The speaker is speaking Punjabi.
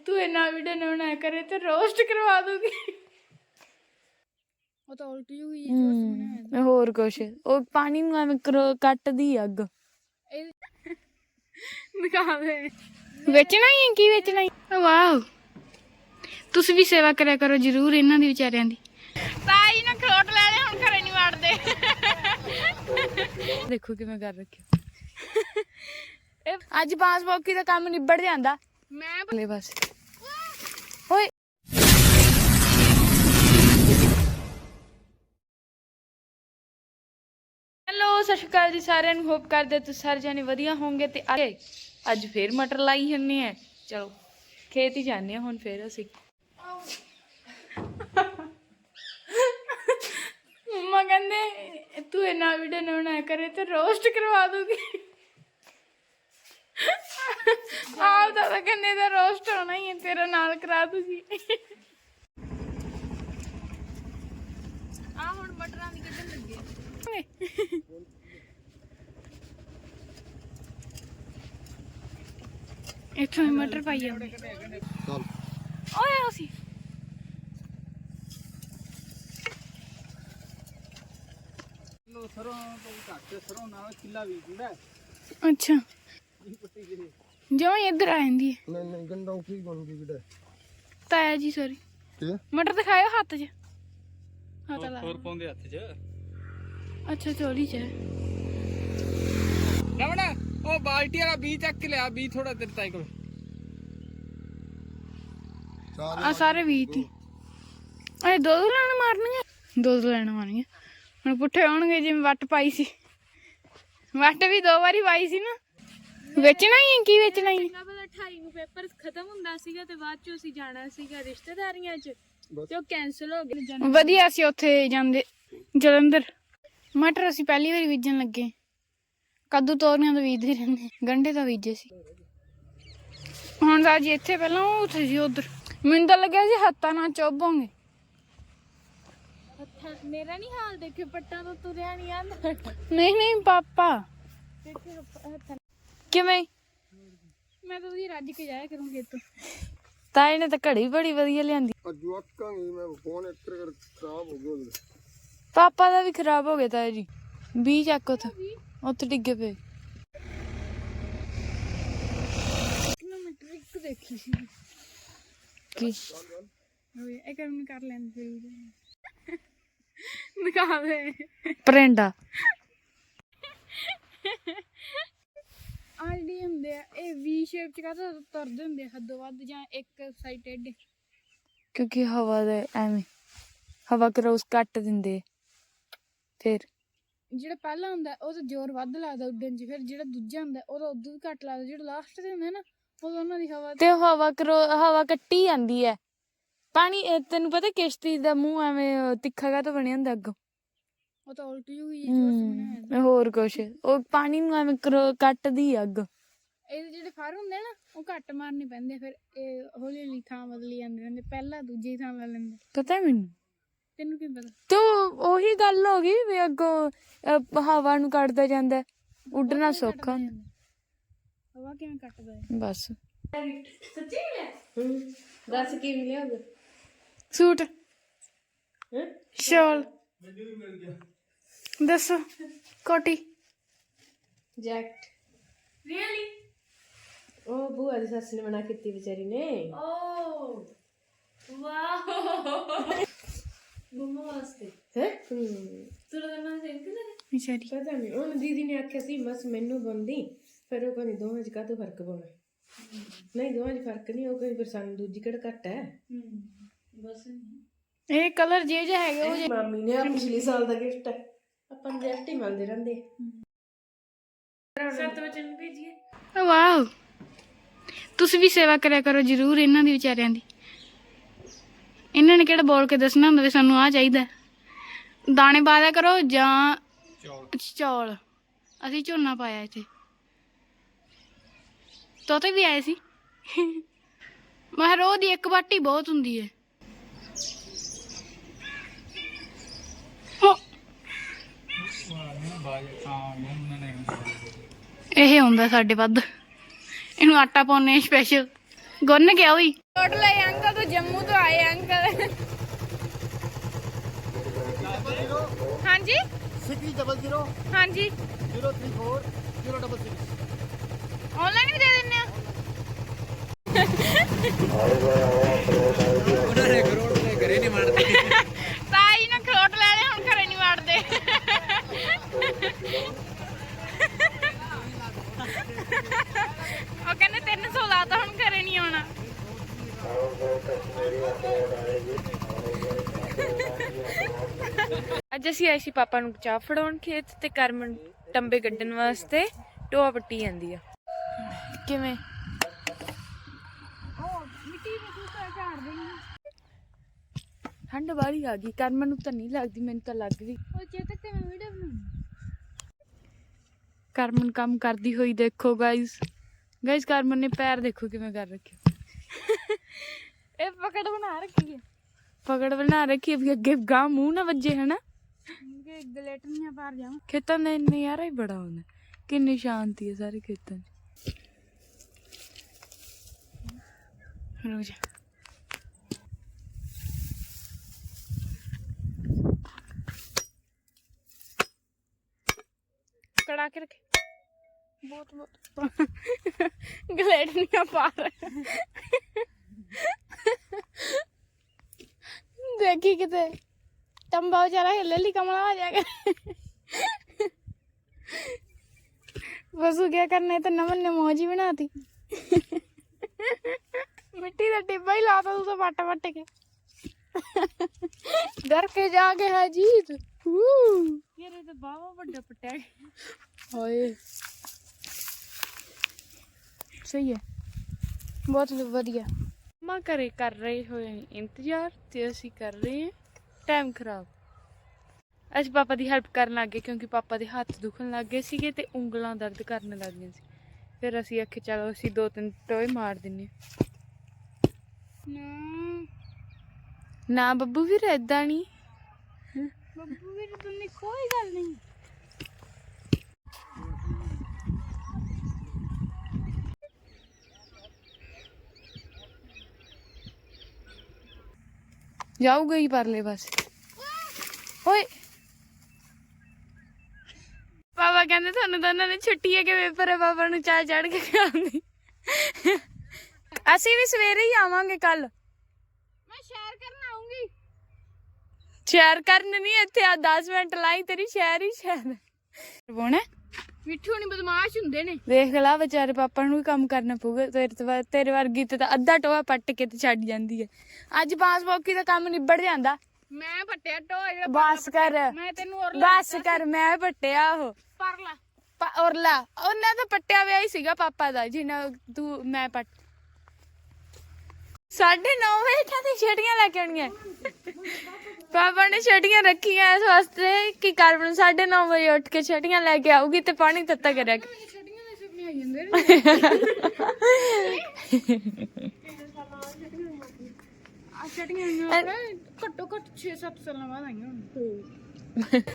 तू इन्ना वीडियो ना बनाया करे तो रोस्ट करवा दूंगी। ਉਹ ਤਾਂ ਉਲਟੀ ਹੋਈ ਜੋ ਸੁਣਿਆ ਹੋਰ ਕੁਛ ਉਹ ਪਾਣੀ ਨੂੰ ਐਵੇਂ ਕੱਟਦੀ ਅੱਗ ਦਿਖਾਵੇ ਵੇਚਣਾ ਹੀ ਕੀ ਵੇਚਣਾ ਹੀ ਵਾਓ ਤੁਸੀਂ ਵੀ ਸੇਵਾ ਕਰਿਆ ਕਰੋ ਜਰੂਰ ਇਹਨਾਂ ਦੀ ਵਿਚਾਰਿਆਂ ਦੀ ਤਾਈ ਨਾ ਖਰੋਟ ਲੈ ਲੈ ਹੁਣ ਘਰੇ ਨਹੀਂ ਵੜਦੇ ਦੇਖੋ ਕਿਵੇਂ ਕਰ ਰੱਖਿਆ ਅੱਜ ਬਾਂਸ ਬੋਕੀ ਦਾ ਕੰਮ ਨਿਬੜ ਜਾਂਦਾ ਮੈਂ ਬਲੇ ਬਸ ਓਏ हेलो सत श्री अकाल जी सारे होप करते तुम सारे जाने वधिया होंगे ते अज फिर मटर लाई हन्ने हैं चलो खेत ही जाने हुण फिर असी मम्मा कहंदे तू इन्ना वीडियो ना बनाया करे तो रोस्ट करवा दूंगी आप तो कहने दा रोस्ट होना ही है तेरा नाल करा दूंगी आ हुण मटरां दी कड्ढन लगे इत्थों मटर पाई आउंदे चल ओए उसी लो सरों तो घट सरों नाल किला भी जुड़ा अच्छा जो इधर आ जांदी है नहीं नहीं गंडा की बन गई बेटा ताया जी सॉरी के मटर दिखाओ हाथ च हाथ ला और पाउंदे हाथ च अच्छा चोली च रवण ओ बाल्टी वाला बी चक के लिया बी थोड़ा तेरे ताई को आ सारे बी थी ए दो लाण मारनी दो लाण मारनी हुन पुठे आउणगे जिवें वट पाई सी वट भी दो बारी पाई सी ना ਵੇਚਣਾ ਹੀ ਕੀ ਵੇਚਣਾ ਹੀ ਪਤਾ 28 ਨੂੰ ਪੇਪਰ ਖਤਮ ਹੁੰਦਾ ਸੀਗਾ ਤੇ ਬਾਅਦ ਚ ਅਸੀਂ ਜਾਣਾ ਸੀਗਾ ਰਿਸ਼ਤੇਦਾਰੀਆਂ ਚ ਤੇ ਉਹ ਕੈਨਸਲ ਹੋ ਗਿਆ ਵਧੀਆ ਸੀ ਉੱਥੇ ਜਾਂਦੇ ਜਲੰਧਰ ਮਟਰ ਅਸੀਂ ਪਹਿਲੀ ਵਾਰੀ ਬੀਜਣ ਲੱਗੇ ਕੱਦੂ ਤੋਰੀਆਂ ਤਾਂ ਬੀਜਦੇ ਰਹਿੰਦੇ ਗੰਢੇ ਤਾਂ ਬੀਜੇ ਸੀ ਹੁਣ ਤਾਂ ਜੀ ਇੱਥੇ ਪਹਿਲਾਂ ਉਹ ਉੱਥੇ ਸੀ ਉਧਰ ਮੈਨੂੰ ਤਾਂ ਲੱਗਿਆ ਸੀ ਹੱਥਾਂ ਨਾਲ ਚੁੱਭੋਂਗੇ ਮੇਰਾ ਨਹੀਂ ਹਾਲ ਦੇਖੇ ਪੱਟਾਂ ਤੋਂ ਤੁਰਿਆ ਨਹੀਂ ਆਂਦਾ ਨਹੀਂ ਨਹੀਂ ਪਾਪਾ ਕਿਵੇਂ ਮੈਂ ਤਾਂ ਉਹਦੀ ਰੱਜ ਕੇ ਜਾਇਆ ਕਰੂੰਗੀ ਇੱਥੋਂ ਤਾਏ ਨੇ ਤਾਂ ਘੜੀ ਬੜੀ ਵਧੀਆ ਲਿਆਂਦੀ ਜਵਾਕਾਂਗੇ ਮੈਂ ਫੋਨ ਇੱਕ ਖਰਾਬ ਹੋ ਗਿਆ ਪਾਪਾ ਦਾ ਵੀ ਖਰਾਬ ਹੋ ਗਿਆ ਤਾਏ ਜੀ ਬੀ ਚੱਕ ਉੱਥੇ ਡਿੱਗੇ ਪਏ ਕਿਲੋਮੀਟਰ ਇੱਕ ਦੇਖੀ ਸੀ ਕੀ ਇਹ ਕੰਮ ਕਰ ਲੈਂਦੇ ਦਿਖਾਵੇ ਪਰੇਂਡਾ ਆਲਡੀ ਹੁੰਦੇ ਆ ਇਹ ਵੀ ਸ਼ੇਪ ਚ ਕਾਹਦਾ ਤੁਰਦੇ ਹੁੰਦੇ ਆ ਹੱਦੋਂ ਵੱਧ ਜਾਂ ਇੱਕ ਸਾਈਡ ਟੇਢੇ ਕਿਉਂਕਿ ਹਵਾ ਦੇ ਐਵੇਂ ਹਵਾ ਕਰੋਸ ਕੱਟ ਦਿੰਦੇ ਫਿਰ ਜਿਹੜਾ ਪਹਿਲਾ ਹੁੰਦਾ ਉਹ ਤਾਂ ਜ਼ੋਰ ਵੱਧ ਲੱਗਦਾ ਉੱਡਣ 'ਚ ਫਿਰ ਜਿਹੜਾ ਦੂਜਾ ਹੁੰਦਾ ਉਹਦਾ ਉਦੋਂ ਵੀ ਘੱਟ ਲੱਗਦਾ ਜਿਹੜਾ ਲਾਸਟ ਤੇ ਹੁੰਦਾ ਨਾ ਉਦੋਂ ਉਹਨਾਂ ਦੀ ਹਵਾ ਤੇ ਹਵਾ ਕੱਟੀ ਜਾਂਦੀ ਹੈ ਪਾਣੀ ਤੈਨੂੰ ਪਤਾ ਕਿਸ਼ਤੀ ਦਾ ਮੂੰਹ ਐਵੇਂ ਤਿੱਖਾ ਕਾਹਤੋਂ ਬਣਿਆ ਹੁੰਦਾ ਅੱਗੋਂ ਉਹ ਤਾਂ ਉਲਟੀ ਹੋਈ ਜੋ ਸੁਣਿਆ ਹੋਰ ਕੁਛ ਉਹ ਪਾਣੀ ਨੂੰ ਐਵੇਂ ਕੱਟਦੀ ਅੱਗ ਇਹਦੇ ਜਿਹੜੇ ਫਰ ਹੁੰਦੇ ਨਾ ਉਹ ਘੱਟ ਮਾਰਨੇ ਪੈਂਦੇ ਫਿਰ ਇਹ ਹੌਲੀ ਹੌਲੀ ਥਾਂ ਬਦਲੀ ਜਾਂਦੇ ਰਹਿੰਦੇ ਪਹਿਲਾਂ ਦੂਜੀ ਥਾਂ ਲੈ ਲੈਂਦੇ ਪਤਾ ਮੈਨੂੰ ਤੈਨੂੰ ਕੀ ਪਤਾ ਤੇ ਉਹੀ ਗੱਲ ਹੋ ਗਈ ਵੀ ਅੱਗੋਂ ਹਵਾ ਨੂੰ ਕੱਟਦਾ ਜਾਂਦਾ ਉੱਡਣਾ ਸੌਖਾ ਹਵਾ ਕਿਵੇਂ ਕੱਟਦਾ ਬਸ ਸੱਚੀ ਮਿਲਿਆ ਦੱਸ ਕੀ ਮਿਲਿਆ ਉਹਦਾ ਸੂਟ ਸ਼ਾਲ ਦੱਸੋ ਕੋਟੀ ਜੈਕਟ ਰੀਅਲੀ ਉਹ ਬੂਆ ਦੀ ਸੱਸ ਨੇ ਮਨਾ ਕੀਤੀ ਵਿਚਾਰੀ ਨੇ ਓ ਵਾਓ ਮੰਮਾ ਵਾਸਤੇ ਹੈ ਤੂੰ ਨਾ ਸੇਮ ਕਿ ਵਿਚਾਰੀ ਪਤਾ ਨਹੀਂ ਉਹ ਦੀਦੀ ਨੇ ਆਖਿਆ ਸੀ ਬਸ ਮੈਨੂੰ ਬੰਦੀ ਫਿਰ ਉਹ ਕਹਿੰਦੀ ਦੋਵਾਂ 'ਚ ਕਾਹਤੋਂ ਫਰਕ ਪਾਉਣਾ ਨਹੀਂ ਦੋਵਾਂ 'ਚ ਫਰਕ ਨਹੀਂ ਉਹ ਕਹਿੰਦੀ ਫਿਰ ਸਾਨੂੰ ਦੂਜੀ ਕਿਹੜਾ ਘੱਟ ਹੈ ਬਸ ਇਹ ਕਲਰ ਜੇ ਹੈਗੇ ਉਹ ਮਾਮੀ ਨੇ ਪਿਛਲੇ ਸਾਲ ਦਾ ਗਿਫਟ ਹੈ ਆਪਾਂ ਨੂੰ ਗਿਫਟ ਹੀ ਮਿਲਦੇ ਰਹਿੰਦੇ 7 ਵਜੇ ਨੂੰ ਭੇਜੀਏ ਵਾਓ ਤੁਸੀਂ ਵੀ ਸੇਵਾ ਕਰਿਆ ਕਰੋ ਜਰੂਰ ਇਹਨਾਂ ਦੀ ਵਿਚਾਰਿਆਂ ਦੀ ਇਹਨਾਂ ਨੇ ਕਿਹੜਾ ਬੋਲ ਕੇ ਦੱਸਣਾ ਹੁੰਦਾ ਵੀ ਸਾਨੂੰ ਆਹ ਚਾਹੀਦਾ ਦਾਣੇ ਪਾ ਦਿਆ ਕਰੋ ਜਾਂ ਚੌਲ ਅਸੀਂ ਝੋਨਾ ਪਾਇਆ ਇੱਥੇ ਤੋਤੇ ਵੀ ਆਏ ਸੀ ਮੈਂ ਰੋਜ਼ ਦੀ ਇੱਕ ਬਾਟੀ ਬਹੁਤ ਹੁੰਦੀ ਹੈ ਇਹ ਹੁੰਦਾ ਸਾਡੇ ਵੱਧ ਇਹਨੂੰ ਆਟਾ ਪਾਉਣੇ ਸਪੈਸ਼ਲ ਗੁੰਨ ਗਿਆ ਹੋਈ ਟੋਟਲ ਇਹ ਅੰਕਲ ਤੋਂ ਜੰਮੂ ਤੋਂ ਆਏ ਅੰਕਲ ਹਾਂਜੀ 600 ਹਾਂਜੀ 034 066 ਆਨਲਾਈਨ ਵੀ ਦੇ ਦਿੰਨੇ ਆ ਉਹਨਾਂ ਨੇ ਕਰੋੜ ਰੁਪਏ ਘਰੇ ਨਹੀਂ ਮਾਰਦੇ ਤਾਈ ਨਾ ਖਰੋਟ ਲੈ ਲੈ ਹੁਣ ਘਰੇ ਨਹੀਂ ਵੜਦੇ ਉਹ ਕਹਿੰਦੇ 300 ਲਾਤਾ ਹੁਣ ਘਰੇ ਨਹੀਂ ਆਉਣਾ ਅੱਜ ਅਸੀਂ ਆਏ ਸੀ ਪਾਪਾ ਨੂੰ ਚਾਹ ਫੜਾਉਣ ਖੇਤ ਤੇ ਕਰਮਨ ਟੰਬੇ ਕੱਢਣ ਵਾਸਤੇ ਟੋਆ ਪੱਟੀ ਜਾਂਦੀ ਆ ਕਿਵੇਂ ਠੰਡ ਵਾਲੀ ਆ ਗਈ ਕਰਮਨ ਨੂੰ ਤਾਂ ਨਹੀਂ ਲੱਗਦੀ ਮੈਨੂੰ ਤਾਂ ਲੱਗ ਗਈ ਉਹ ਚੇਤਕ ਤੇ ਮੈਂ ਵੀਡੀਓ ਬਣਾਉਣੀ ਕਰਮਨ ਕੰਮ ਕਰਦੀ ਹੋਈ ਦੇਖੋ ਗਾਇਸ ਕਰਮਨ ਨੇ ਪੈਰ ਦੇਖੋ ਕਿਵੇਂ ਕਰ ਰੱਖੇ ਇਹ ਪਕੜ ਬਣਾ ਰੱਖੀ ਹੈ ਵੀ ਅੱਗੇ ਗਾਂ ਮੂੰਹ ਨਾ ਵੱਜੇ ਹਨਾ ਗਲੇਟਨੀਆਂ ਪਾਰ ਜਾਵਾਂ ਖੇਤਾਂ ਦਾ ਨਜ਼ਾਰਾ ਹੀ ਬੜਾ ਹੁੰਦਾ ਕਿੰਨੀ ਸ਼ਾਂਤੀ ਹੈ ਸਾਰੇ ਖੇਤਾਂ 'ਚ ਰੋਜ਼ ਕੜਾ ਕੇ ਰੱਖੇ ਬਹੁਤ ਗਲੇਟਨੀਆਂ ਪਾਰ देखी किते टंबा बेचारा हिले ली कमला आ जाएगा बसू क्या करने तो नमन ने मौज ही बनाती मिट्टी का डिब्बा ही लाता तू तो पट पट के डर के जाके है जीत ये तो बाबा बड़ा पट्टा ओए सही है बहुत बढ़िया मां करे कर रहे हो इंतजार ते ਅਸੀਂ ਕਰ ਰਹੇ ਹਾਂ ਟਾਈਮ ਖਰਾਬ ਅਸੀਂ ਪਾਪਾ ਦੀ ਹੈਲਪ ਕਰਨ ਲੱਗੇ ਕਿਉਂਕਿ ਪਾਪਾ ਦੇ ਹੱਥ ਦੁਖਣ ਲੱਗ ਗਏ ਸੀਗੇ ਤੇ ਉਂਗਲਾਂ ਦਰਦ ਕਰਨ ਲੱਗ ਗਈਆਂ ਸੀ ਫਿਰ ਅਸੀਂ ਆਖੇ ਚਲੋ ਅਸੀਂ 2-3 ਟੋਏ ਮਾਰ ਦਿੰਨੇ ਨਾ ਬੱਬੂ ਵੀਰ ਏਦਾਂ ਨਹੀਂ ਬੱਬੂ ਵੀਰ ਤੁਮਨੇ ਕੋਈ ਗੱਲ ਨਹੀਂ जाऊगा ही परले बस ओए पापा कहते थानू दोनों ने छुट्टी है कि पेपर है पापा नू चाह चढ़ के खिलाऊंगी असी भी सवेरे ही आवांगे कल मैं सैर करन आऊंगी सैर करन नहीं इत्थे 10 मिनट लाई तेरी सैर ही सैर बोने मिठू नहीं बदमाश हुंदे ने देख ला बेचारे पापा नू भी काम करना पऊगा तेरे वर्गी ते अद्धा टोआ पट के ते छड्ड जांदी है अज बांस बौकी दा काम निबड़ जांदा मैं पट्टिया टोआ बस कर मैं तेनू बस कर मैं पट्टिया ओ परला औरला ओना तो पट्टिया विया ही सीगा पापा दा जिन्ना तू मैं पट 9:30 बजे इत्थे छेड़ियां लेके आउणियां पापा ने छटियां रखियां इस वास्ते कि करमन 9:30 बजे उठ के छटियां लेके आऊगी ते पानी तत्ता करया घट्टो घट्ट 6-7 साल बाद आईयां